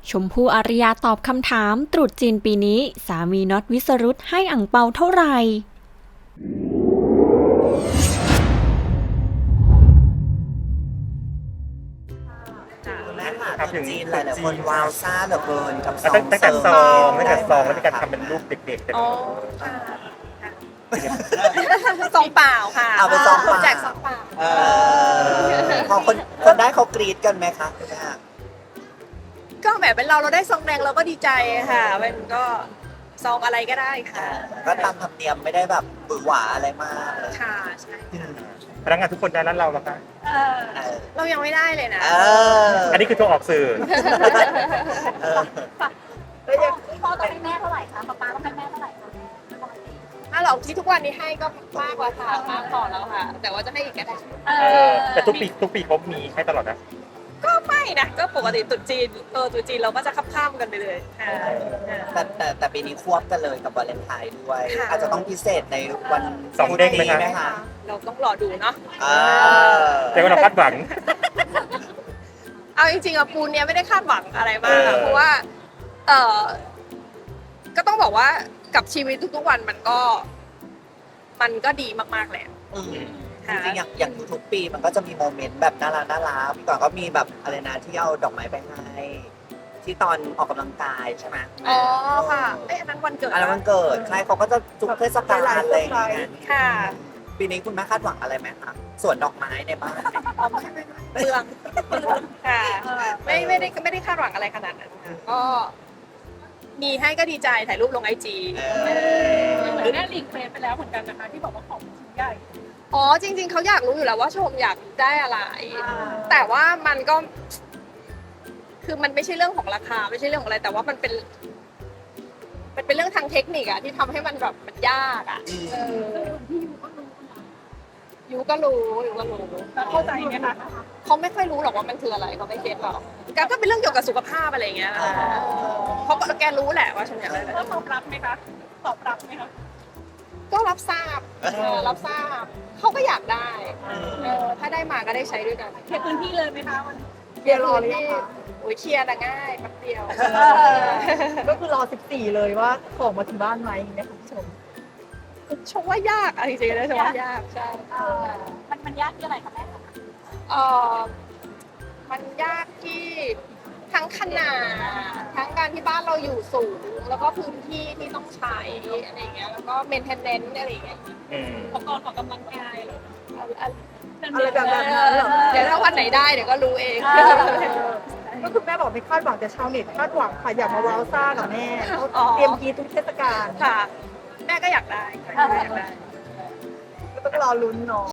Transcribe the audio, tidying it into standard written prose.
ชมพู่อารยาตอบคำถามตรุษจีนปีนี้สามีน็อตวิสรุตให้อั่งเปาเท่าไหร่คุณแม่ค่ะตรุษจีนหลายๆคนว้าวซ่าเหลือเกินกับซองตั้งแต่ซองแล้วมีการทำเป็นรูปเด็กๆแต่อ๋อค่ะซองเปล่าค่ะเอาไปซองเปล่าแจกซองเปล่าพอคนได้เขากรี๊ดกันไหมคะคุณแม่ก็แบบเป็นเราได้ซองแดงเราก็ดีใจค่ะมันก็ซองอะไรก็ได้ค่ะก็ตามธรรมเนียมไม่ได้แบบหวือหวาอะไรมากเลยค่ะใช่พนักงานทุกคนได้แล้วเราล่ะคะเออเรายังไม่ได้เลยนะอันนี้คือตัวออกสื่อเออพ่อต้องให้แม่เท่าไหร่คะป๊าต้องให้แม่เท่าไหร่คะถ้าเราที่ทุกวันนี้ให้ก็มากกว่าค่ะมากพอแล้วค่ะ แต่ว่าจะให้อีกก็ได้แต่ทุกปีเขามีให้ตลอดนะก็ไม่นะก็ปกติตรุษจีนตรุษจีนเราก็จะข้ามกันไปเลยค่ะแต่ปีนี้ควบกันเลยกับวาเลนไทน์ด้วยค่ะอาจจะต้องพิเศษในวันสองเด้งไหมคะไหมคะเราต้องรอดูเนาะแต่ว่าเราคาดหวังเอาจริงๆอะปูนเนี้ยไม่ได้คาดหวังอะไรมากอะ เพราะว่าก็ต้องบอกว่ากับชีวิตทุกๆวันมันก็ดีมากๆแหละอืมจริงๆอย่างทุกๆปีมันก็จะมีโมเมนต์แบบน่ารักพี่ก่อนก็มีแบบอะไรนะที่เอาดอกไม้ไปให้ที่ตอนออกกำลังกายใช่ไหมอ๋อค่ะอันนั้นวันเกิดอันนั้นวันเกิดใช่เขาก็จะทุกเทศกาลอะไรอย่างเงี้ยค่ะปีนี้คุณแม่คาดหวังอะไรไหมคะสวนดอกไม้ในบ้านเปลืองค่ะไม่ได้คาดหวังอะไรขนาดนั้นค่ะก็มีให้ก็ดีใจถ่ายรูปลงไอจีเหมือนแม่ลิงเฟซไปแล้วเหมือนกันนะคะที่บอกว่าของชิ้นใหญ่อ๋อจริง ๆเขาอยากรู้อยู่แล้วว่าชมอยากได้อะไร แต่ว่ามันก็ คือมันไม่ใช่เรื่องของราคาไม่ใช่เรื่องของอะไร แต่ว่ามันเป็นเรื่องทางเทคนิคอะที่ทำให้มันแบบมันยากอะยูก็รู้เข้าใจไหมคะเขาไม่ค่อยรู้หรอกว่ามันคืออะไรเขาไม่เก็ตหรอกก็เป็นเรื่องเกี่ยวกับสุขภาพอะไรอย่างเงี้ยเขาก็แกรู้แหละว่าฉันอยากได้อะไรแล้วตอบรับไหมคะตอบรับไหมคะก็รับทราบรับทราบเขาก็อยากได้ถ้าได้มาก็ได้ใช้ด้วยกันเคลียร์พื้นที่เลยไหมคะวันเคลียร์รอที่โอ้ยเคลียร์นะง่ายแป๊บเดียวก็คือรอ 14 เลยว่าของมาถึงบ้านไหมอย่างเงี้ยคุณผู้ชมชมว่ายากอะจริงๆนะชมว่ายากใช่มันยากที่อะไรคะแม่เออมันยากที่ทั้งขนาดทั้งการที่บ้านเราอยู่สูง แล้วก็พื้นที่ที่ต้องใช้อะไรอย่างเงี้ยแล้วก็เมนเทนเนนซ์อะไรอย่างเงี้ยอุปกรณ์ออกกำลังกายอะไรแบบนั้นเหรอเดี๋ยวถ้าวันไหนได้เดี๋ยวก็รู้เองก็คือแม่บอกไม่คาดหวังแต่ชาวเน็ตคาดหวังค่ะอยากมาว้าวซ่ากับแม่เขาอ๋อเตรียมกรีดทุกเทศกาลค่ะ แม่ก็อยากได้แม่ก็อยากได้ก็ต้องรอลุ้นเนาะ